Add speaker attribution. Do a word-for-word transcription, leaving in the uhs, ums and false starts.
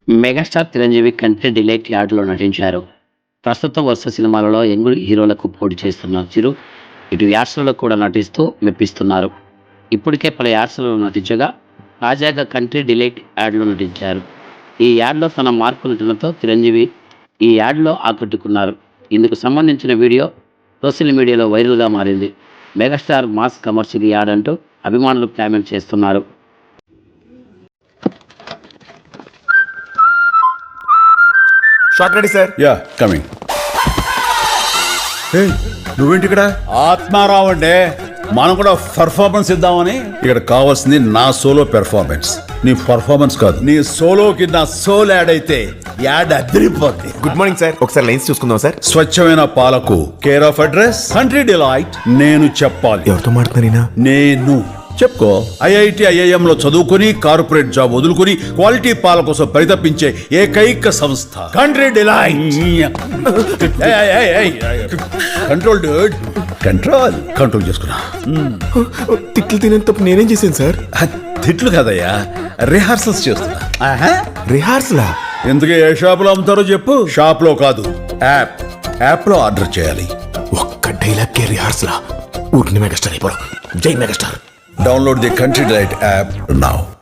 Speaker 1: Megastar Chiranjeevi country delight యార్డ్లో నటించారు. ప్రస్తుతం వరుస సినిమాలలో యంగ్ హీరోలకు పోటీ చేస్తున్న చిరు ఇటు యాడ్స్లలో కూడా నటిస్తూ మెప్పిస్తున్నారు. ఇప్పటికే పలు యాడ్స్లలో నటించగా తాజాగా కంట్రీ డిలైట్ యాడ్లో నటించారు. ఈ యాడ్లో తన మార్పు నటనతో చిరంజీవి ఈ యాడ్లో ఆకట్టుకున్నారు. ఇందుకు సంబంధించిన వీడియో సోషల్ మీడియాలో వైరల్గా మారింది. మెగాస్టార్ మాస్ కమర్షియల్ యాడ్ అంటూ అభిమానులు కామెంట్ చేస్తున్నారు.
Speaker 2: Shot ready sir.
Speaker 3: Yeah coming. నువ్వేంటి ఇక్కడ? ఆత్మారావు అంటే మనం కూడా పర్ఫార్మెన్స్ ఇద్దామని. ఇక్కడ కావాల్సింది నా సోలో పెర్ఫార్మెన్స్, నీ పర్ఫార్మెన్స్ కాదు. నీ సోలోకి నా సోల్ యాడ్ అయితే యాడ్ అదిరిపోద్ది.
Speaker 2: గుడ్ మార్నింగ్ సార్, ఒకసారి లైన్స్ చూసుకుందాం సార్.
Speaker 3: స్వచ్ఛమైన పాలకు care of address Country Delight. నేను చెప్పాలి.
Speaker 2: ఎవరితో మాట్లాడుతున్నారైనా?
Speaker 3: నేను చెప్పుకో. ఐఐటి ఐఐఎం లో చదువుకుని కార్పొరేట్ జాబ్ వదులుకుని క్వాలిటీ పాల కోసం పరితపించే ఏకైక సంస్థ Country Delight. Control dude, control control చేసుకున్నా.
Speaker 2: తిట్లు తినేంత తప్పు నేనేం చేశాను సార్?
Speaker 3: తిట్లు కదయ్యా, రిహార్సల్స్ చేస్తున్నా.
Speaker 2: రిహార్సలా?
Speaker 3: ఎందుకు ఏ షాప్ లో అమ్ముతారో చెప్పు. షాప్ లో కాదు, యాప్ యాప్ లో ఆర్డర్ చేయాలి.
Speaker 2: ఒక్క డైలాగ్ కే రిహార్సలా? ఊరికి మెగాస్టార్ అయిపోవడం. జై megastar.
Speaker 3: Download the Country Delight app now.